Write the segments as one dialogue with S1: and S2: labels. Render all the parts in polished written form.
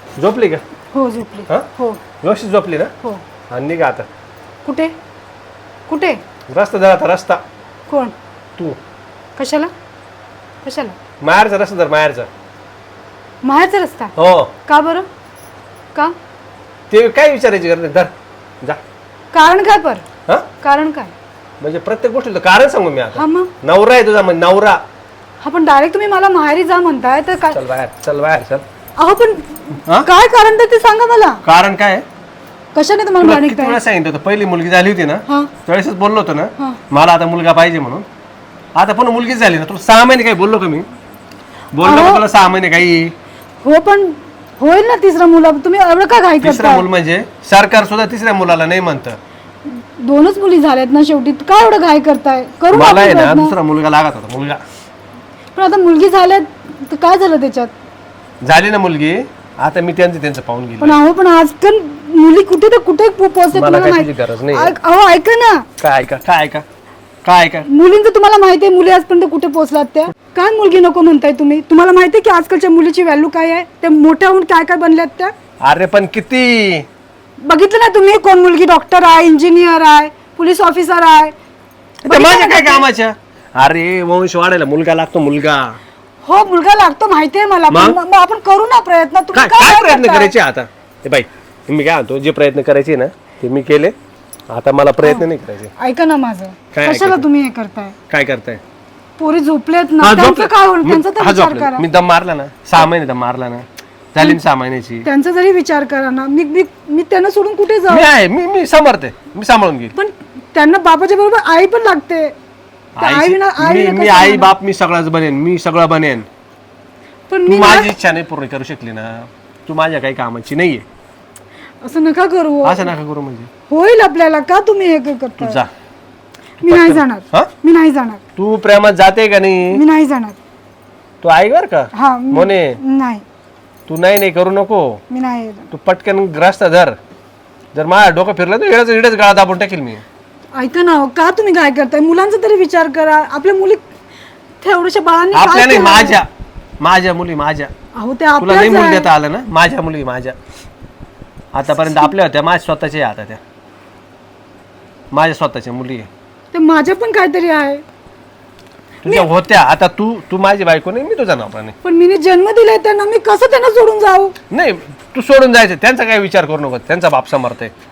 S1: झोपली का?
S2: हो झोपली.
S1: हा?
S2: हो
S1: व्यवस्थित झोपली ना?
S2: हो.
S1: आणि निघा आता.
S2: कुठे कुठे?
S1: रस्ता धर आता, रस्ता.
S2: कोण?
S1: तू
S2: कशाला कशाला?
S1: माहेरचा रस्ता धर, माहेरचा.
S2: माहेरचा रस्ता?
S1: हो.
S2: का बरं? का?
S1: ते काय विचारायची गरज नाही, धर जा.
S2: कारण काय पर?
S1: हा?
S2: कारण काय?
S1: म्हणजे प्रत्येक गोष्टीला कारण सांगू मी आता.
S2: हा मग
S1: नवरा आहे तुझा, म्हणजे नवरा.
S2: हा पण डायरेक्ट तुम्ही मला माहेरी जा म्हणताय तर काय?
S1: चल बाहेर, चल बाहेर, चल.
S2: अहो पण
S1: हा?
S2: काय कारण तर ते सांगा मला.
S1: कारण काय आहे?
S2: कशाने तुम्हाला
S1: तुला
S2: मानिक
S1: किती वेळा सांगितलं होतं, पहिली मुलगी झाली होती ना
S2: हा
S1: त्यावेळेसच बोललो होतो
S2: हा.
S1: ना मला आता मुलगा पाहिजे म्हणून. आता पण मुलगीच झाली ना. तुला 6 महिने काही बोललो का मी? बोललो का तुला 6 महिने काही?
S2: हो पण होईल ना तिसरा मुला. तुम्ही एवढं का घाई
S1: तिसरा
S2: करताय?
S1: मूल म्हणजे सरकार सुद्धा तिसऱ्या मुलाला नाही म्हणतं.
S2: दोनच मुली झाल्यात ना शेवटी. काय एवढं घाई करताय? करू ना
S1: मला आहे
S2: आपण
S1: ना
S2: प्रयत्न.
S1: दुसरा मुलगा लागत होता, मुलगा.
S2: पण आता मुलगी झाल्यात तर काय झालं त्याच्यात?
S1: झाली ना मुलगी, आता मी त्यांचं पाहून गेलो.
S2: पण अहो पण आजकाल मुली कुठे तर कुठे पोहोचतात
S1: मला
S2: तुम्हाला
S1: कशाची
S2: माहिती?
S1: गरज नाही.
S2: अहो ऐका ना,
S1: काय ऐका, काय ऐका, काय ऐका?
S2: मुलींचं तुम्हाला माहिती आहे मुली आजपर्यंत कुठे पोहोचलात त्या? काय मुलगी नको म्हणताय तुम्ही? तुम्हाला माहिती आहे की आजकालच्या मुलीची व्हॅल्यू काय आहे? त्या मोठ्या होऊन काय काय बनल्यात त्या?
S1: अरे पण किती
S2: बघितलं ना तुम्ही, कोण मुलगी डॉक्टर आहे, इंजिनियर आहे, पोलीस ऑफिसर आहे.
S1: ते माझ्या काय कामाच्या? अरे वंश वाढायला मुलगा लागतो, मुलगा.
S2: हो मुलगा लागतो माहिती आहे मला. पण मग आपण करू ना प्रयत्न. तुम्ही
S1: काय काय प्रयत्न
S2: करताय?
S1: करायचे आता? हे बाई, मी काय म्हणतो, जे प्रयत्न करायचे ना ते मी केले. आता मला प्रयत्न नाही करायचे.
S2: ऐका ना माझं.
S1: काय
S2: कशाला
S1: ऐकायचं?
S2: तुम्ही हे करताय?
S1: काय करताय?
S2: पोरी झोपलेत ना,
S1: हा,
S2: त्यांचं
S1: झोपलं.
S2: काय होईल?
S1: मी-
S2: त्यांचा तर
S1: हा,
S2: विचार
S1: झोपलं.
S2: करा.
S1: मी दम मारला ना, 6 महिने दम मारला ना, झाली ना 6 महिन्याची.
S2: त्यांचा जरी विचार करा ना. मी मी मी त्यांना सोडून कुठे
S1: मी
S2: जाऊ?
S1: आहे, मी समर्थ, मी सांभाळून घेईल.
S2: पण त्यांना बापाच्या बरोबर आई पण लागते. त्या आई विना- आई विना
S1: मी
S2: कसं
S1: आई
S2: होणार?
S1: बाप मी सगळंच बनेन, मी सगळं बनेन.
S2: पण
S1: तू
S2: मी
S1: माझी
S2: ना-
S1: इच्छा नाही पूर्ण करू शकली ना, तू माझ्या काही कामाची नाहीये.
S2: असं नका करू.
S1: असं नका करू. म्हणजे
S2: होईल आपल्याला. का तुम्ही हे
S1: तू
S2: करता?
S1: जा.
S2: मी नाही जाणार.
S1: हा?
S2: मी नाही जाणार.
S1: तू प्रेमात जाते का नाही?
S2: मी नाही जाणार.
S1: तू ऐक बर का
S2: हा
S1: मोने,
S2: नाही.
S1: तू नाही करू नको.
S2: मी नाही येणार.
S1: तू पटकन ग्रस्त धर. जर माझ्या डोकं फिरलं तर हिडच गळा दाबून टाकेल मी.
S2: ऐका ना, का तुम्ही काय करताय? मुलांचा तरी विचार करा. आपल्या मुली तेवढ्याशा बाळांनी काय
S1: आपल्या नाही,
S2: केलं?
S1: माझ्या मुली माझ्या.
S2: अहो ते
S1: तुला नाही मुली
S2: आपल्याच
S1: देता आलं ना? माझ्या मुली माझ्या. आतापर्यंत आपल्या होत्या, माझ्या स्वतःच्या आता त्या माझ्या स्वतःच्या मुली आहे.
S2: ते माझ्या पण काहीतरी आहे.
S1: तुझ्या होत्या. आता तू माझी बायको नाही, मी तुझा नवरा नाही.
S2: पण मी जन्म दिलाय त्यांना. मी कसं त्यांना सोडून जाऊ?
S1: नाही, तू सोडून जायचं, त्यांचा काही विचार करू नको. त्यांचा बाप समर्थ आहे.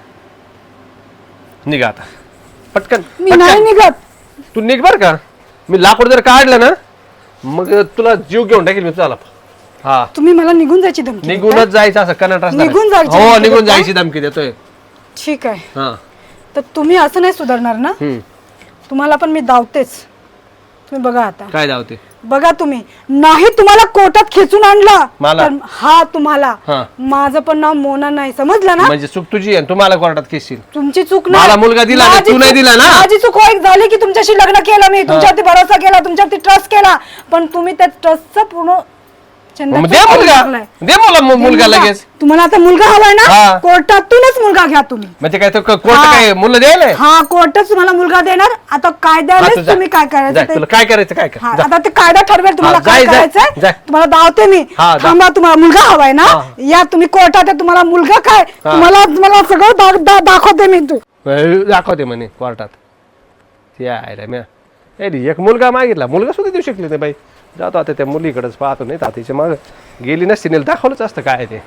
S1: निघा आता पटकन.
S2: मी नाही निघत.
S1: तू निघ बर का. मी लाकूड जर काढलं ना मग तुला जीव घेऊन टाकेल मी तुला. हा,
S2: तुम्ही मला निघून जायची धमकी देताय?
S1: निघूनच जायचं असं कनाट रस्ता नाही.
S2: निघून जायची
S1: हो,
S2: धमकी
S1: निघून
S2: देताय?
S1: जायची धमकी देतोय.
S2: ठीक आहे.
S1: हा.
S2: तर तुम्ही असं नाही सुधारणार ना? तुम्हाला पण मी धावतेच. तुम्ही बघा आता.
S1: काय धावते?
S2: बघा तुम्ही. नाही तुम्हाला कोर्टात खेचून आणला
S1: मला?
S2: तर हा तुम्हाला.
S1: हा.
S2: माझं पण नाव मोना नाही, समजलं ना?
S1: म्हणजे चूक तुझी आहे, तुम्हाला कोर्टात खेचशील.
S2: तुमची चूक
S1: मला मुलगा दिला ना,
S2: माझी
S1: तू नाही
S2: चूक-
S1: दिला ना?
S2: माझी चूक एक झाली की तुमच्याशी लग्न केलं मी. तुमच्यावरती भरोसा केला, तुमच्यावरती ट्रस्ट केला. पण तुम्ही त्या ट्रस्टचा पूर्ण चंदा
S1: मग दे मुलगा,
S2: टाकलाय.
S1: दे मुलगा लगेच.
S2: तुम्हाला आता मुलगा हवाय ना?
S1: हा.
S2: कोर्टातूनच मुलगा घ्या तुम्ही.
S1: म्हणजे काय कोर्ट
S2: हा.
S1: काय मुलं द्यायला?
S2: हा, कोर्टच तुम्हाला मुलगा देणार. आता
S1: हा, तू
S2: कायद्यानेच
S1: जा.
S2: तुम्ही काय
S1: जा,
S2: करायचं
S1: तुला काय करायचं काय
S2: हा,
S1: कर. जा.
S2: आता ते कायदा ठरवेल तुम्हाला
S1: हा,
S2: काय
S1: जाय, जाय,
S2: करायचंय.
S1: जाय.
S2: तुम्हाला धावते मी.
S1: हा, जा.
S2: थांबा, तुम्हाला मुलगा हवाय ना?
S1: हा.
S2: या तुम्ही कोर्टात आहे, तुम्हाला मुलगा काय तुम्हाला सगळं दाखवते मी. तू
S1: दाखवते म्हणे कोर्टात. ते आहे रे म्या. एक मुलगा मागितला, मुलगा सुद्धा देऊ शकले नाही बाई. जातो आता त्या मुलीकडेच पाहतो. नाही तर तिच्या मग गेली नसती, नेल दाखवलंच असतं काय ते.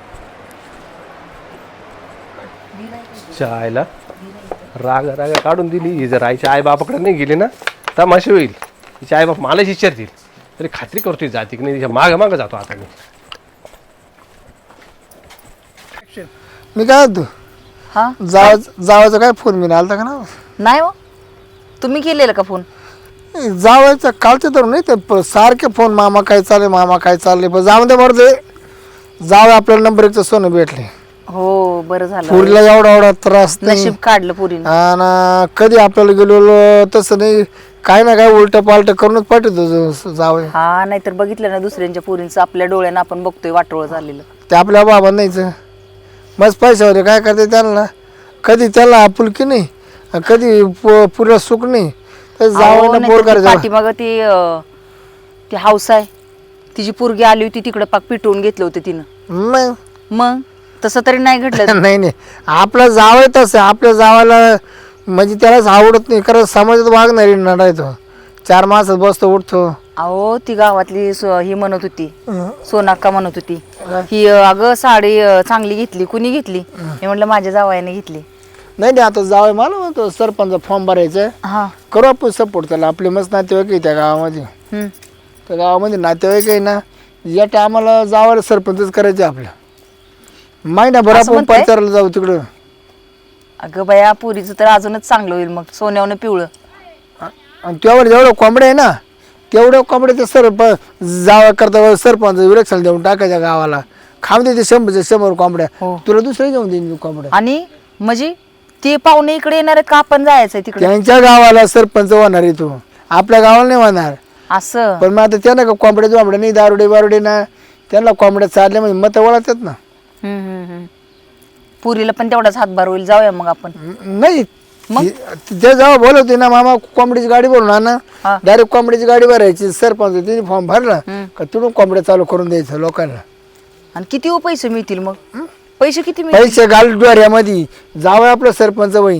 S1: चायला राग काढून दिली ही. जर आईच्या आई बापाकडे नाही गेली ना तमाशे होईल. तिच्या आई बाप मलाच विचारतील. तरी खात्री करतोय जाती की नाही. तिच्या मागं जातो आता मी.
S3: मी काय होतो
S4: हा
S3: जावायचा काय फोन मी आलता का ना?
S4: नाही हो, तुम्ही केलेला का फोन?
S3: जावायचा कालचे तर नाही ते सारखे फोन, मामा काय चालले, मामा काय चालले. पण जाऊ दे बरं, ते जावं आपल्याला नंबर 1चं सोनं भेटले.
S4: हो, बरं झालं.
S3: पुरीला एवढा त्रास नाही.
S4: नशीब काढलं पुरीनं.
S3: आणि कधी आपल्याला गेलो तसं नाही. काय ना काय उलट पालट करूनच पाठवतो जावं.
S4: हा, नाहीतर बघितलं ना दुसऱ्यांच्या पुरींचं आपल्या डोळ्यानं आपण बघतोय वाटोळ झालेलं.
S3: ते आपल्या बाबा नाहीचं मस्त पैशावर काय करते त्यांना. कधी त्याला आपुलकी नाही, कधी पुरीला सुख नाही. तर जावं ना पोर करायचं.
S4: पाठीमाग ती हाऊस आहे, तिची पोरगी आली होती तिकडे पाक पिटवून घेतलं होतं तिनं.
S3: मग
S4: मग तसं तरी नाही घडलं.
S3: नाही नाही आपला जावं तसं आपल्या जावाला म्हणजे त्यालाच आवडत नाही कारण समाजात वागणारी नडाय तो 4 मासात बसतो उठतो.
S4: अहो ती गावातली ही म्हणत होती, सोनाक्का म्हणत होती ही अगं साडी चांगली घेतली, कुणी घेतली? मी म्हटलं माझ्या जावयाने घेतली.
S3: नाही नाही आता जावं मला म्हणतो सरपंच फॉर्म भरायचं
S4: हा.
S3: करू आपण सपोर्ट त्याला आपले मस्त नातेवाईक आहे त्या गावामध्ये. त्या गावामध्ये नातेवाईक आहे ना या टायमाला जावायला सरपंचच करायचे आपल्या महिनाभर
S4: असं
S3: आपण
S4: म्हणताय?
S3: प्रचाराला जाऊ तिकडं.
S4: अगं बाया पुरीचं तर अजूनच चांगलं होईल मग, सोन्यावनं पिवळं.
S3: आणि त्यावर जेवढं कोंबड्या आहे ना तेवढ्या कोंबड्या ते जावा करता सरपंच विरक्षण देऊन टाकायच्या गावाला खाऊन देते 100 कोंबड्या.
S4: हो.
S3: तुला दुसरे घेऊन देईन मी कोंबड्या.
S4: आणि म्हणजे ते पाहुणे इकडे येणार आहेत का आपण जायचंय तिकडे?
S3: त्यांच्या गावाला सरपंच होणार आहे तू आपल्या गावाला नाही होणार.
S4: असं
S3: पण मग आता त्यांना का कोंबड्या जोंबड्या नाही दारुडे बारुडे ना त्यांना कोंबड्या चालल्या म्हणजे मत वळतात ना.
S4: पुरीला पण तेवढाच हातभार होईल. जाऊया मग आपण.
S3: नाही ते जेव्हा बोलवते ना मामा कोंबडीची गाडी बोलून
S4: हा.
S3: ना डायरेक्ट कोंबडीची गाडी भरायची सरपंच तिने फॉर्म भरला का तिथून कोंबड्या चालू करून द्यायचं लोकांना.
S4: आणि किती पैसे मिळतील मग? पैसे किती मिळतील?
S3: पैसे घाल डोऱ्यामध्ये जावं आपलं सरपंच होईन.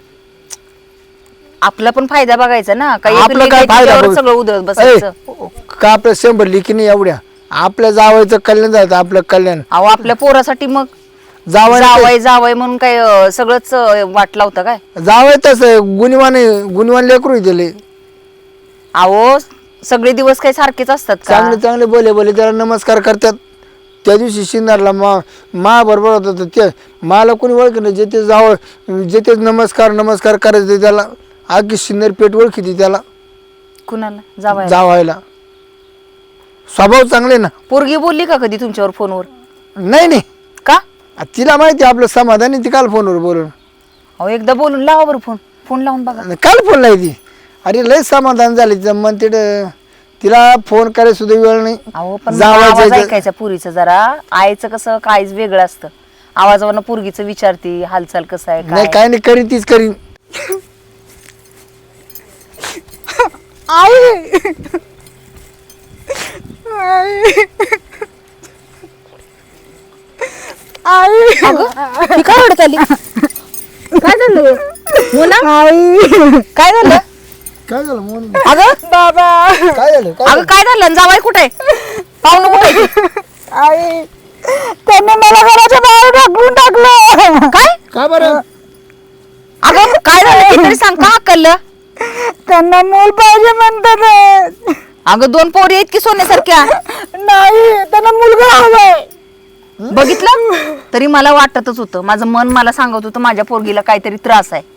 S4: आपला पण फायदा बघायचा ना. काही
S3: आपलं
S4: एक
S3: काय
S4: लेक
S3: फायदा
S4: त्याच्यावर
S3: बघ.
S4: सगळं उधळत बसायचं.
S3: का आपलं 100 लिखी नाही एवढ्या आपल्या जावायचं कल्याण जायचं आपलं कल्याण
S4: अहो आपल्या पोरासाठी मग
S3: जावं
S4: जावय म्हणून काय सगळंच वाट लावतं काय?
S3: जावं तसं गुणवान लेकरू दिले
S4: अहो सगळे दिवस काही सारखेच असतात का?
S3: चांगले चांगले बोले त्याला नमस्कार करतात. त्या दिवशी शिंदारला मा बरोबर होता ते मला कोणी ओळख नाही जे ते जावं जे ते नमस्कार करायचे त्याला आगी शिन्नर पेट ओळखी त्याला
S4: कुणाला? जावया.
S3: जावायला स्वभाव चांगले ना.
S4: पोरगी बोलली का कधी तुमच्यावर फोनवर?
S3: नाही
S4: का?
S3: तिला माहिती आपलं समाधान आहे ती काल फोनवर बोलून
S4: अहो एकदा बोलून लावा बरं फोन लावून बघा.
S3: काल फोन लावली अरे लय समाधान झाले तिचं मन तिला फोन करायला सुद्धा वेळ नाही.
S4: अहो पण मला आवाज
S3: जावायचं
S4: ऐकायचा पुरीचं जरा. आईचं कसं काहीच वेगळं असतं. आवाजावरनं पुरगीचं विचारती हालचाल कसं आहे
S3: नाही
S4: काय.
S3: काय नाही करीन तीच करीन.
S4: ही काय रडत आली? काय झालं मोना? काय झालं
S3: काय झालं मोहन?
S4: अगं
S2: बाबा
S3: काय झालं
S4: अगं काय झालं? जावाय कुठे? पाहुणं कुठे?
S2: आई त्यांनी मला घराच्या बाहेर ढकलून टाकलं.
S4: काय?
S3: का बरं?
S4: अगं काय झालं ते तरी सांग. का हकललं?
S2: त्यांना मूल पाहिजे म्हणतात.
S4: अगं 2 पोरी आहेत की सोन्यासारख्या?
S2: नाही त्यांना मुलगा हवाय.
S4: बघितलं तरी मला वाटतच होतं. माझं मन मला सांगत होतं माझ्या पोरगीला काहीतरी त्रास आहे.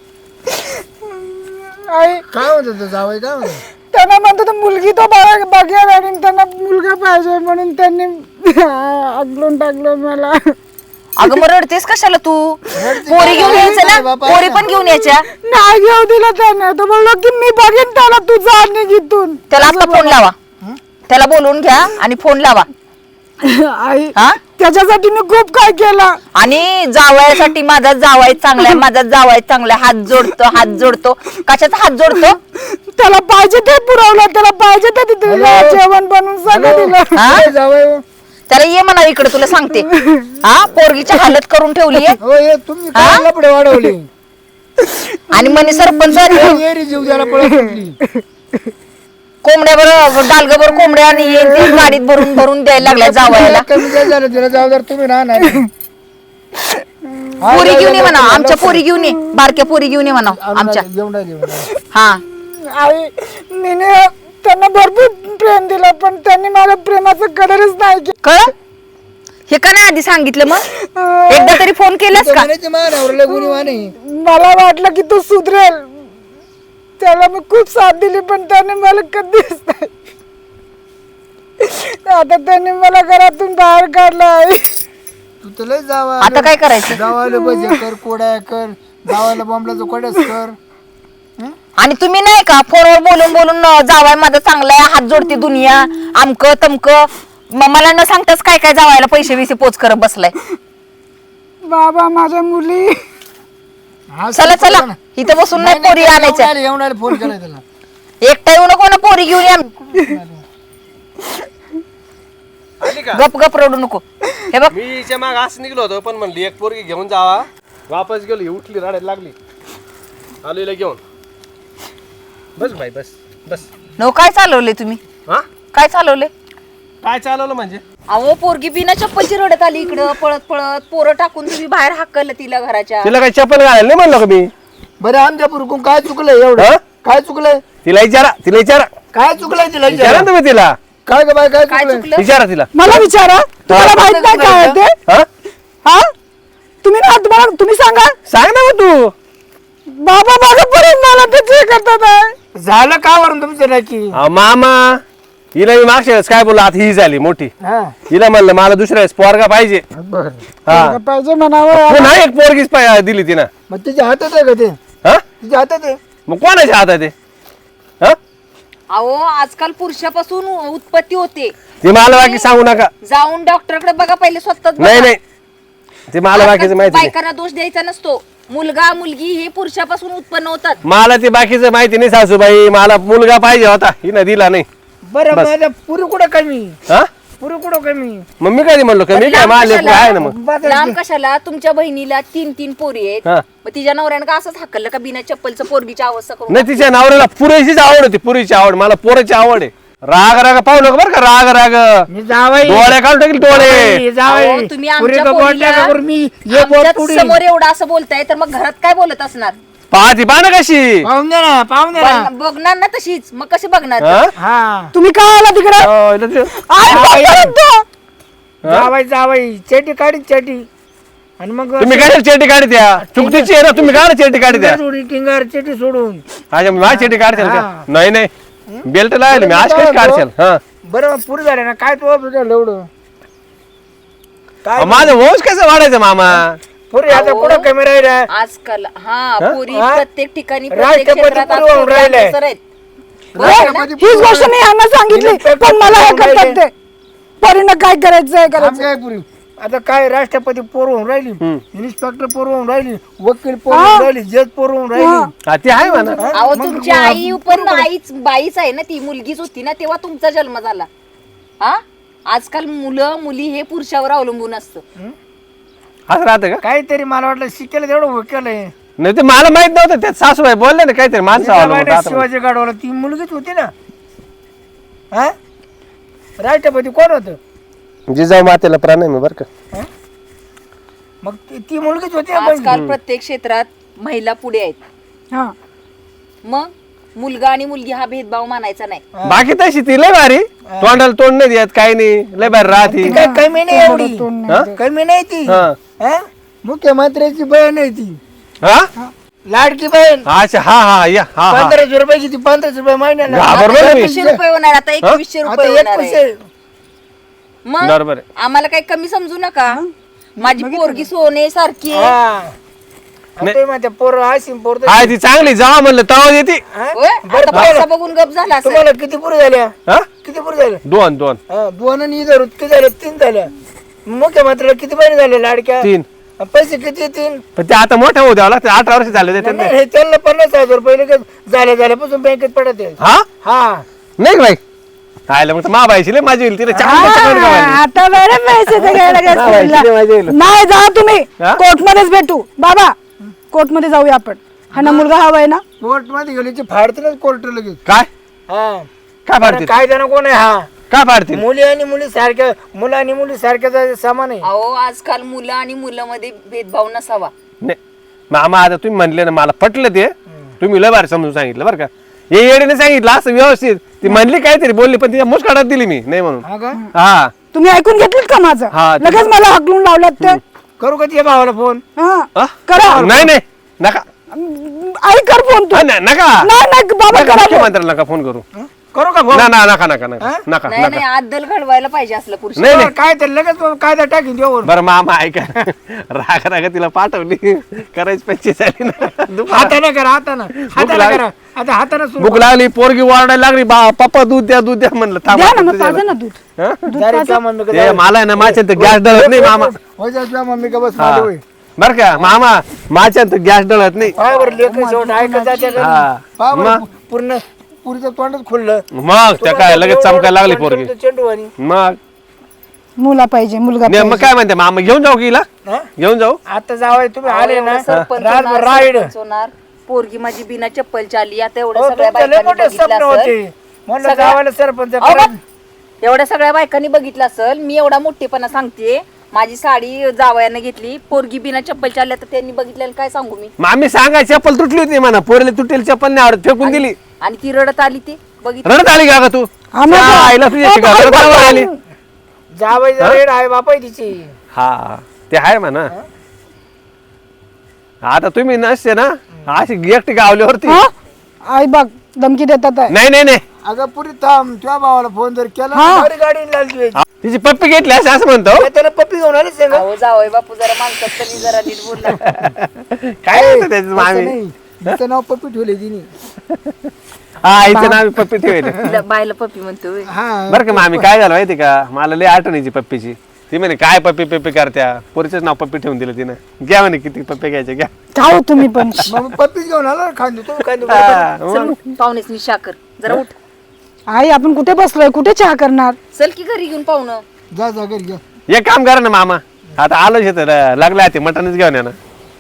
S2: आई
S3: काय होत होतं जावई काय होतं?
S2: त्यांना म्हणतात मुलगी तो बघा आणि त्यांना मुलगा पाहिजे म्हणून त्यांनी अगलून टाकलं मला.
S4: अगं मग रडतेस कशाला तू? पोरी घेऊन यायचं ना. पोरी पण घेऊन यायच्या.
S2: नाही घेऊ दिलं त्याने. तो बोललो की मी बघेन त्याला तुझा निघितून.
S4: त्याला आता फोन लावा. त्याला बोलवून घ्या आणि फोन लावा.
S2: आई
S4: हा
S2: त्याच्यासाठी मी खूप काय केलं.
S4: आणि जावयासाठी माझा जावाय चांगलाय, माझा जावाय चांगलाय. हात जोडतो. कशाचा हात जोडतो?
S2: त्याला पाहिजे ते पुरवलं. त्याला पाहिजे ते दिलं. जेवण बनवून सगळं दिलं.
S4: हा
S3: जावई हो.
S4: त्याला ये म्हणा इकडे तुला सांगते. हा पोरगीची हालत करून ठेवली
S3: हो ये तुम्ही काय लपडे वाढवली
S4: आणि म्हणे सरपंच
S3: येरी जीव द्यायला पळत होती.
S4: कोंबड्या बरोबर डालग बरोबर कोंबड्या आणि हे ते गाडीत भरून द्यायला लागल्या जावयाला.
S3: कमी काय झालं तिला जबाबदार तुम्ही राहणार.
S4: पोरी घेऊन ये म्हणा. आमच्या पोरी घेऊन ये. बारक्या पोरी घेऊन ये म्हणा आमच्या.
S3: जेवण
S4: हा
S2: आई मीने त्यांना भरपूर प्रेम दिलं पण त्यांनी मला प्रेमाचं कदरच नाही केलं.
S4: कळ हे का नाही आधी सांगितलं? मग एकदा तरी फोन केलास का?
S2: मला वाटलं की तू सुधरेल. त्याला मी खूप साथ दिली पण त्याने मला कधीच नाही. आता त्यांनी मला घरातून बाहेर काढलं. आई
S3: तू तर लय जावा
S4: आता काय करायचं?
S3: जावायला भजे कर कोड्या कर जावायला बॉम्बलाचं कोड्याच कर.
S4: आणि तुम्ही नाही का फोनवर बोलून जावाय माझा चांगला आहे, हात जोडते दुनिया, आमक तमक. मला न सांगताच काय काय जावायला पैसे बिसे पोच करत बसलाय.
S2: बाबा माझ्या मुली
S4: चला चला इथं बसून नाही पोरी आणायच्या.
S3: येऊन फोन केला त्याला.
S4: एकटा येऊ नको ना पोरी घेऊन या.
S1: आली का का
S4: गप गप रडू नको. हे बघ
S1: मी हिच्या माग असं निघलो होतो पण म्हणली एक पोरगी घेऊन जावा. वापस गेलो ही उठली रडायला लागली. आलो हिला घेऊन. बस बाई बस बस.
S4: नो काय चालवले तुम्ही?
S1: हा
S4: काय चालवले?
S1: काय चालवलं म्हणजे
S4: अहो पोरगी बिना चप्पलची रडत आली इकडं पळत पळत. पोरं टाकून तुम्ही बाहेर हाकललं तिला घराच्या.
S1: तिला काही चप्पल घालायला नाही म्हणलं का मी.
S3: बरं आमच्या पुरकून काय चुकलंय एवढं?
S1: हा?
S3: काय चुकलंय?
S1: तिला विचारा
S3: काय चुकलंय तिला
S1: विचारा ना तुम्ही तिला.
S3: काय ग बाय काय
S4: काय
S3: चुकलंय?
S4: चुकलं?
S1: विचारा तिला.
S2: मला विचारा, तुम्हाला माहित नाही काय आहे ते?
S1: हा
S2: हा तुम्ही ना तुम्हाला तुम्ही सांगा.
S1: सांग ना मग तू.
S2: बाबा माझं परत मला ते करतात आहे.
S3: झालं का वरून तुमचं नक्की?
S1: मामा हिला मी मागच्या वेळेस काय बोललो आता ही झाली मोठी.
S3: हा
S1: हिला म्हणलं मला दुसऱ्या वेळेस पोरगा पाहिजे.
S3: बरं
S1: हा
S2: पाहिजे म्हणावं.
S1: पुन्हा एक पोरगीच दिली तिनं.
S3: मग तिच्या हातात आहे का ते?
S1: हा
S3: तिच्या हातात आहे.
S1: मग कोणाच्या हातात आहे? हा
S4: अहो आजकाल पुरुषापासून उत्पत्ती होते.
S1: ते मला बाकी सांगू नका.
S4: जाऊन डॉक्टरकडे बघा पहिले स्वतःच
S1: नाही नाही ते मला बाकीचं माहिती नाही.
S4: बायकांना दोष द्यायचा नसतो. मुलगा मुलगी हे पुरुषापासून उत्पन्न होतात.
S1: मला ते बाकीचं माहिती नाही सासूबाई. मला मुलगा पाहिजे होता हिनं दिला नाही.
S3: बरं माझ्या पुरी कुठं कमी?
S1: हा
S3: पुरी कुठं कमी?
S1: मग मी कधी म्हणलो कमी काय माझे आहे ना मग.
S4: लांब कशाला? तुमच्या बहिणीला 3 पोरी आहेत.
S1: हा
S4: मग तिच्या नवऱ्यानं का असंच हाकललं का बिना चप्पलचं पोरगीची अवस्था करून?
S1: नाही तिच्या नवऱ्याला पुरेशीच आवड होती. पुरीची आवड मला पोराची आवड आहे. राग राग पाहू नका बरं का. राग राग
S3: मी जावाई
S1: डोळे काढून टाकील डोळे.
S4: अहो, तुम्ही आमच्या पोरीला आमच्याच समोर एवढं असं बोलताय तर मग घरात काय बोलत असणार?
S1: पाहती पहा ना कशी.
S3: पाहून दे ना पाहून दे ना.
S4: बघणार ना तशीच. मग कशी बघणार?
S1: हा?
S3: हा
S2: तुम्ही काय आला तिकडे?
S1: हो, इथं ते-
S3: जावाई जावाई चेटी काढी चेटी आणि मग
S1: तुम्ही काय चेटी काढी द्या. चुकतीची आहे ना तुम्ही काय चेटी काढी द्या.
S3: सोडून टिंगर चेटी सोडून.
S1: अच्छा माझी चेटी काढशाल का?
S3: हा.
S1: नाही नाही बेल्ट लावले मी आज कशी काढशाल. हा
S3: बरं मग पुरी झाले ना काय तू एवढं काय
S1: माझं वंश कसं वाढायचं मामा.
S3: पुरी आता कुठं कमी राहिला?
S4: आजकाल पोरी
S3: हा?
S4: प्रत्येक ठिकाणी प्रत्येक
S3: राष्ट्रपती
S4: क्षेत्रात आज
S3: पुरवून
S4: पोरी
S3: राहिलाय.
S4: अग्रेसर आहेत.
S2: हीच गोष्ट मी यांना सांगितली पण मला हे करतात ते. परीनं काय करायचंय
S3: आम
S2: करायचं.
S3: काय पुरी आता काय राष्ट्रपती पोरवून राहिली, इन्स्पेक्टर पोरवून राहिली, वकील पोरवून राहिली, जज पोरवून राहिली.
S1: हा, ते आहे म्हणा.
S4: अहो तुमची आई पण आईच बाईच आहे ना. ती मुलगीच होती ना तेव्हा तुमचा जन्म झाला. हा आजकाल मुलं मुली हे पुरुषावर अवलंबून असतं.
S1: असं राहतं का?
S3: काहीतरी मला वाटलं शिकेल तेवढं वकेलंय.
S1: नाही ते मला माहित नव्हतं. त्यात सासूबाई बोलले ना काहीतरी माणसं आवडलं.
S3: शिवाजी गाडवाला ती मुलगीच होती ना. हा राष्ट्रपती कोण होत?
S1: जिजाऊ मातेला प्राणायाम आहे बरं का.
S3: मग ती मुलगीच होती ना.
S4: आजकाल प्रत्येक क्षेत्रात महिला पुढे आहेत.
S2: हा
S4: मग मुलगा आणि मुलगी हा भेदभाव मानायचा नाही.
S1: बाकी तशी ती लय भारी. तोंडाला तोंड नाही देत काही नाही. लय भारी राहती.
S3: ती काय कमी नाही एवढी.
S1: हा?
S3: कमी नाही ती.
S1: हा.
S3: हा? मुख्यमंत्र्याची बहीण आहे ती.
S1: हा?
S3: लाडकी बहीण.
S1: अच्छा हा हा या हा हा
S3: 1500 रुपयाची ती 1500 रुपये महिन्याला.
S1: घाबरलो ना मी.
S4: 2100 रुपये होणार आता. 2100
S3: आता
S4: रुपये होणार
S3: 21
S4: आहे.
S3: आहे.
S4: मग
S1: बरोबर आहे.
S4: आम्हाला काही कमी समजू नका. माझी पोरगी सोने सारखी आहे.
S3: हा. आता माझ्या पोरं अशी पोरं
S1: हाय ती चांगली जावा म्हणलं तवा येते.
S3: हा?
S4: होय? आता पैसा बघून गप झाला असेल.
S3: तुम्हाला किती पुरी झाल्या?
S1: हा
S3: किती पुरी झाल्या?
S1: दोन दोन
S3: हा, दोन आणि इधर किती झाल्या? 3 झाल्या. मुख्यमंत्र्याला किती बहिणी झाल्या लाडक्या?
S1: 3.
S3: पैसे किती? 3.
S1: पण ते आता मोठ्या होऊ द्यावं लागतं. 18 वर्ष झाले ते त्यांना.
S3: हे त्यांना 50,000 रुपये लगेच झाल्यापासून बँकेत पडत आहे.
S1: हा
S3: हा
S1: नाही का बाई आयला मग मा बाईशी लय माझी होईल तिला चांगली
S2: आता बरे पैसे ते घ्यायला
S1: हा,
S2: गेले.
S1: बाईशी लय माझी होईल.
S2: नाही जा तुम्ही
S1: हा?
S2: कोर्ट मध्येच भेटू. बाबा कोर्ट मध्ये जाऊया आपण. हा ना मुलगा हवाय ना.
S3: कोर्ट मध्ये गेली की फाडतील कोर्ट लगेच.
S1: काय
S3: हा
S1: काय फाडतील
S3: काय जण कोण आहे? हा
S1: काय फाडतील
S3: मुली आणि मुली सारख्या, मुलं आणि मुली सारख्या समान आहे.
S4: अहो आजकाल मुलं आणि मुलांमध्ये भेदभाव नसावा.
S1: नाही मामा आता तुम्ही म्हणले ना मला पटलं ते. तुम्ही लय भारी समजून सांगितलं बरं का. हे येडीने सांगितलं असं व्यवस्थित. ती म्हणली काहीतरी बोलली पण तिच्या मुस्काटात दिली मी नाही म्हणून.
S3: हा का?
S1: हा
S2: तुम्ही ऐकून घेतलीत का माझं?
S1: हा, ते-
S2: लगेच मला हकलून लावलात ते.
S3: करू का तिच्या भावाला फोन?
S2: हा
S1: हा?
S2: करा.
S1: नाही नाही नका
S2: आई कर फोन तू.
S1: हा, नाही, नका
S2: नाही नाही बाबा
S1: नका,
S2: करा फोन.
S1: मुख्यमंत्र्याला नका फोन करू.
S3: करू का फोन?
S1: ना ना नका नका नका नका
S4: नाही नाही
S1: नका
S4: आदल घडवायला पाहिजे असलं पुरुष.
S1: नाही नाही
S3: काय तर लगेच कायदा टाकीन देऊन.
S1: बरं मामा ऐका राग राग तिला पाठवली करायची पंची झाली ना दुपार.
S3: हाताने करा हाताने
S1: लागली.
S3: करा. आता हाताने सुरू
S1: भूक लागली पोरगी ओरडायला लागली बा पप्पा दूध द्या म्हणलं थांबा
S2: द्या ना मग
S1: तुझ्या-
S2: पाजा ना दूध.
S1: हा?
S3: जरा तुझ्या मम्मी का
S1: ते मला आहे ना माझ्या गॅस डळत नाही मामा.
S3: होय जा तुझ्या मम्मी का बस
S1: हा.
S3: माझी होय.
S1: बर का मामा माझ्या गॅस डळत नाही.
S3: पाय बरं लेकरं शेवट ऐकत जाते घरी.
S1: हा.
S3: पाय बरं
S1: मग?
S3: पूर्ण पुरीचं तोंडच खुललं.
S1: मग त्या काय लगेच चमकायला लागली पोरगी.
S3: चेंडू आणि
S1: मग
S2: मुला पाहिजे, मुलगा
S1: नाही, मग
S2: पाहिजे.
S1: काय म्हणते मामा घेऊन जाऊ की हिला?
S3: हा?
S1: घेऊन जाऊ
S3: आता जावं तुम्ही आले ना
S4: सरपंच
S3: रातभर
S4: होणार,
S3: राईड
S4: सरपंच होणार. पोरगी माझी बिना चप्पलची आली आता एवढ्या
S3: हो,
S4: सगळ्या
S3: तुमचं लय
S4: बायकांनी
S3: मोठे
S4: बघितलं
S3: स्वप्न
S4: असेल.
S3: होते म्हणलं
S4: सगळ्या-
S3: जावायला सरपंच
S4: अहो,
S3: करायचं.
S4: एवढ्या सगळ्या बायकांनी बघितलं असेल. मी एवढा मोठेपणा सांगते, माझी साडी जावयानं घेतली, पोरगी बिना चप्पलची आली तर त्यांनी बघितलेलं काय सांगू मी.
S1: मामी सांगा चप्पल तुटली होती म्हणा, पोरीला तुटेल चप्पल नाही आवडत, फेकून दिली.
S4: आणि ती रडत आली ती बघितलं.
S1: रडत आली का तू?
S2: आम्हाला-
S1: त्या आईला तुझ्याशी का रडत का आली?
S3: जावायचं रेड आहे बापा तिची.
S1: हा ते आहे म्हणा. आता तुम्ही नसते ना अशी एकटी गावल्यावरती.
S2: हा? आई बघ धमकी देतात आहे.
S1: नाही नाही नाही,
S3: अगं पुरी थांब तुझ्या भावाला फोन जर केला
S2: हा.
S3: तर गाडी लागली
S1: तिची पप्पी घेतली असं म्हणतो.
S3: त्याला पप्पी घेऊन आली सगळं
S4: अहो जावय बापू जरा माणसात तरी जरा नीट बोलला.
S1: काय होतं त्याचं मामी?
S3: नाही तिचं नाव पप्पी ठेवले तिने.
S1: हा आईचं नाव पप्पी ठेवले.
S4: तिला बायला पप्पी म्हणतो होय.
S3: हा
S1: बरं का मामी काय झालं माहिती का, मला लय आठवण यायची पप्पीची. ती म्हणे काय पप्पी पप्पी करत्या, पोरीचंच नाव पप्पी ठेवून दिलं तिनं. घ्या म्हणे किती पप्पी घ्यायचे घ्या.
S2: खाऊ तुम्ही पण.
S3: मग पप्पीच घेऊन आला खांदू तुम्ही खांदू
S1: हा,
S4: चल
S1: मग.
S4: उठ, पाहुणेच नि शाकर जरा उठ.
S2: आई आपण कुठे बसलोय, कुठे चहा करणार?
S4: चल की घरी घेऊन पाहुणं.
S3: जा जा घरी घ्या.
S1: एक काम करा ना मामा, आता आलोच येतं लागलं ते मटनच घेऊन या ना.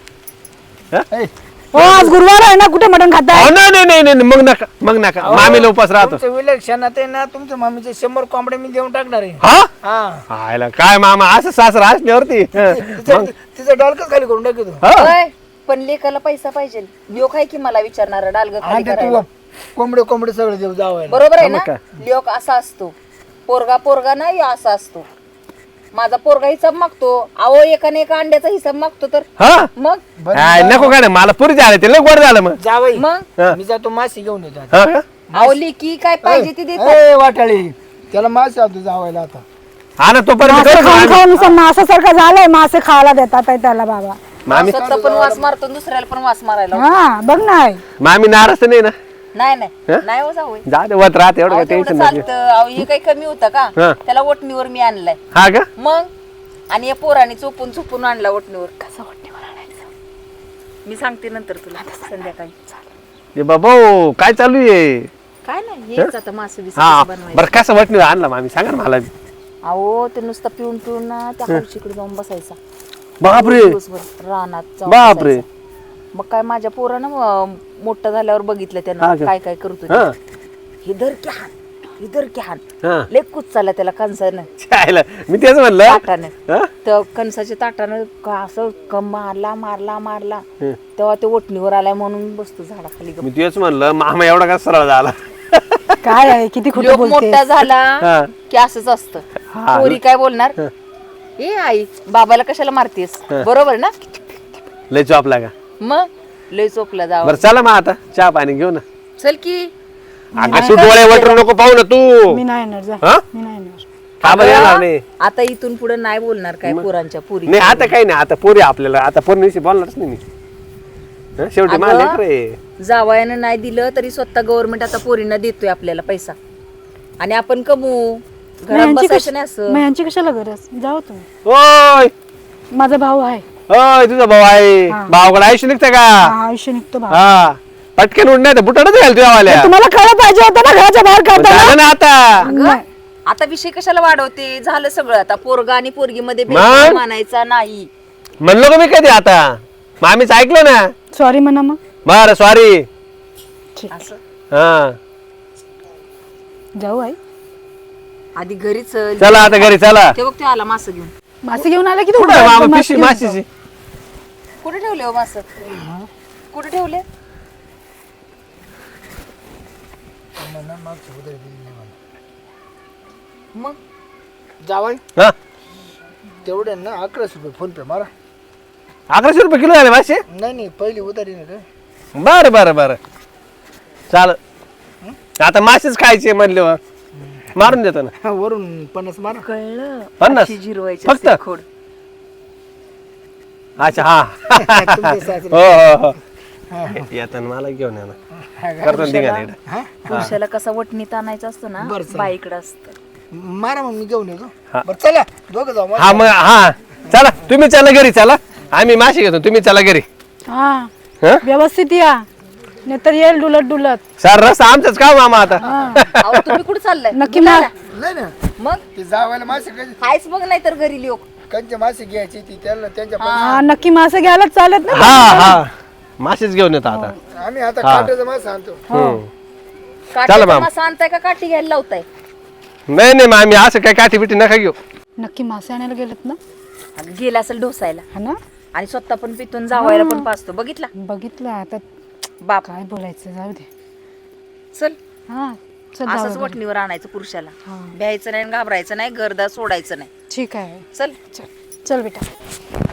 S3: ए,
S2: हो आज गुरुवार आहे ना, कुठे मटण खाताय?
S1: अहो, नाही नाही नाही नाही, मग नका मामीला उपास राहतो.
S3: तुमचं विलक्षणात आहे ना तुमच्या मामीचे 100 कोंबड्या मी देऊन टाकणार आहे.
S1: हा
S3: हा
S1: आयला काय मामा असं सासरा असल्यावरती.
S3: तिचं डॉलकच खाली करून टाकतो.
S1: हा?
S4: होय, पण लेकाला पैसा पाहिजे. लोक आहे की मला विचारणार डालग खाली
S3: आणि
S4: करायला.
S3: तू कोंबडे कोंबडे सगळे देऊ जावायला.
S4: बरोबर आहे
S1: मग
S4: ना.
S1: काय?
S4: लोक असा असतो, पोरगा पोरगा नाही असा असतो. माझा पोरगा हिसाब मागतो, अहो एकाने एका अंड्याचा हिसाब मागतो तर
S1: हा
S4: मग
S1: काय नको काय मला पुरी झालं ते लय गोड झालं मग.
S3: जावई
S4: मग
S1: हा.
S3: मी जातो माशी घेऊन येतो.
S1: हा का?
S4: अहो लेकी काय पाहिजे ती देतात.
S3: ए वाटाळी त्याला माशी आणतो जावायला आता.
S1: हा ना तोपर्यंत
S2: मासे
S1: करू का
S2: खाऊन
S1: मामी?
S2: खाऊन नुसतं मासासारखं झालंय, मासे खायला देतात आहे त्याला बाबा.
S1: मामी
S4: स्वतः पण वास मारतो, दुसऱ्याला पण वास मारायला.
S2: हा बघ ना आई.
S1: मामी नाराज तर नाही ना?
S4: नाही नाही
S1: हा?
S4: नाही हो जाऊ
S1: जा दे वत राहते एवढं काय
S4: तेवढं
S1: टेन्शन नाही.
S4: चालतं. अहो हे काही कमी होतं का?
S1: हा.
S4: त्याला ओटणीवर मी आणलाय
S1: हा का?
S4: मग. आणि या पोराने चोपून चोपून आणला ओटणीवर. कसा ओटणीवर आणायचं मी सांगते नंतर तुला संध्याकाळी.
S1: ये बाबा काय चालू आहे?
S4: काय नाही हेच आता मासे बिसे
S1: हा
S4: बनवायचं.
S1: बरं कसं वाटणी आणला मामी सांगा ना मला.
S4: अहो ते नुसतं पिऊन पिऊन ना त्या हौशीकडे जाऊन बसायचा
S1: बापरे
S4: दिवसभर रानात जाऊन
S1: बापरे.
S4: बसायचा. मग काय माझ्या पोरानं मोठं झाल्यावर बघितलं
S1: हा
S4: त्यानं
S1: का?
S4: काय काय करतो ते.
S1: हा
S4: हे धर की हान, हे धर की हान.
S1: हा
S4: लय कुच चालला त्याला कणसानं
S1: चायला मी तेच म्हणलं.
S4: ताटानं.
S1: हा?
S4: तर कणसाच्या ताटानं का असं मारला मारला मारला
S1: हं.
S4: तेव्हा ते ओटणीवर आलाय म्हणून बसतो झाडाखाली गप्प.
S1: मी तेच म्हणलं मामा एवढा का सरळ झाला.
S2: काय आहे, किती खोटं
S4: लोक
S2: बोलते.
S4: मोठा झाला
S1: हा.
S4: की असंच असतं.
S1: हा.
S4: पोरी काय बोलणार, ए आई बाबाला कशाला मारतेस, बरोबर ना.
S1: लय चॉपला का?
S4: मग लय चोपला जावं.
S1: बरं चला मग आता चहा पाणी घेऊ ना.
S4: चल की.
S1: अगं तू डोळे वटरू नको पाहू ना तू.
S2: मी नाही येणार, जा.
S1: हा?
S2: मी नाही येणार.
S1: का बरं येणार नाही?
S4: आता इथून पुढे नाही बोलणार काय पोरांच्या पुरी.
S1: नाही आता काही नाही, आता पोरी आपल्याला आता पोरीशी बोलणारच नाही मी. हं? शेवटी
S4: अगं,
S1: मला लेकरं
S4: जावयानं नाही दिलं तरी स्वतः गव्हर्नमेंट आता पोरींना देतोय आपल्याला पैसा आणि आपण कमवू.
S2: मग
S4: घरात
S2: यांची
S4: बसायचं नाही असं.
S2: मग यांची कशाला गरज, जाओ तुम्ही.
S1: ओय
S2: माझा भाऊ आहे.
S1: ओय तुझा भाऊ आहे.
S2: हा.
S1: भावाकडे आयुष्य निघतं का?
S2: हा, आयुष्य निघतो भाऊ.
S1: हा पटकन उठ नाही तर बुटाडच घाल तुझ्या वाल्या.
S2: तुम्हाला कळलं पाहिजे होतं ना घराच्या बाहेर काढताना.
S1: झालं ना आता.
S4: अगं, आता विषय कशाला वाढवते, झालं सगळं. आता पोरगा आणि पोरगी मध्ये
S1: मग?
S4: मानायचा नाही.
S1: म्हणलो का मी कधी आता मामीच ऐकलं ना.
S2: सॉरी म्हणा मग.
S1: बरं सॉरी.
S2: ठीक,
S4: असं
S1: हा
S2: जाऊ आई.
S4: आधी घरी चल.
S1: चला आता घरी चला.
S4: ते बघ ते आला मास घेऊन.
S2: मासे घेऊन आला की तू
S1: कुठं आहे मामा
S2: मासे
S1: पिशवी
S2: घेऊन
S1: माशीची?
S4: कुठे ठेवले हो मास, कुठे ठेवले. मग
S3: जावाई
S1: हा
S3: तेवढे ना 1100 रुपये फोन पे मारा.
S1: 1100 रुपये किलो झाले मासे.
S3: नाही नाही पहिली उधारी ना रे.
S1: बरं बरं बरं चाल. आता मासेच खायचे म्हणले मारून देतो ना.
S3: हा, वरून 50 मारा.
S4: कळलं
S1: 50?
S4: अशी जिरवायची
S1: फक्त?
S4: असते खोड.
S1: अच्छा हा
S3: तुमचे सासरे.
S1: हो हो हो येताना मला घेऊन या ना. करतो ना ठिकाणी इकडं.
S3: हा?
S4: पुरुषाला कसा वटणीत आणायचा असतो ना,
S3: बरं, चालेल.
S4: बाईकडे असतं.
S3: मारा मग मी घेऊन येतो.
S1: हा.
S3: बरं चला दोघं जाऊ.
S1: हा मग हा चला तुम्ही चला घरी चला. आम्ही मासे घेतो तुम्ही चला घरी.
S2: हा
S1: हं?
S2: व्यवस्थित या, नाहीतर येईल डुलत डुलत.
S1: सर रस्ता आमचाच का मामा आता.
S2: हा.
S4: अहो, तुम्ही कुठे चाललाय?
S2: नक्की
S4: बोला
S2: मा-
S4: ना.
S3: नाही ना
S4: मग
S3: ते जावायला मासे
S4: हायच बघ नाही तर घरी लोक
S3: कंचे मासे घ्यायची ती त्यांना त्यांच्या
S2: हा नक्की मासे घ्यायला चालत ना
S1: हा हा मासेच घेऊन येतो आता
S3: आम्ही आता काट्याचा मासा आणतो
S1: चला माम.
S4: मासा आणताय का काठी घ्यायला लावताय
S1: नाही नाही मग आम्ही असं काय काठी बिठी नका घेऊ
S2: नक्की मासे आणायला गेलेत ना
S4: आणि गेला असेल ढोसायला
S2: हा ना
S4: आणि स्वतः पण पितून जावायला पण पाचतो बघितला
S2: बघितलं आता
S4: बाप
S2: काय बोलायचं जाऊ दे
S4: चल
S2: हा चल
S4: असंच
S2: जाऊ दे.
S4: वटणीवर आणायचं पुरुषाला
S2: हा.
S4: भ्यायचं नाही आणि घाबरायचं नाही गर्दा सोडायचं नाही
S2: ठीक आहे
S4: चल
S2: चल चल बेटा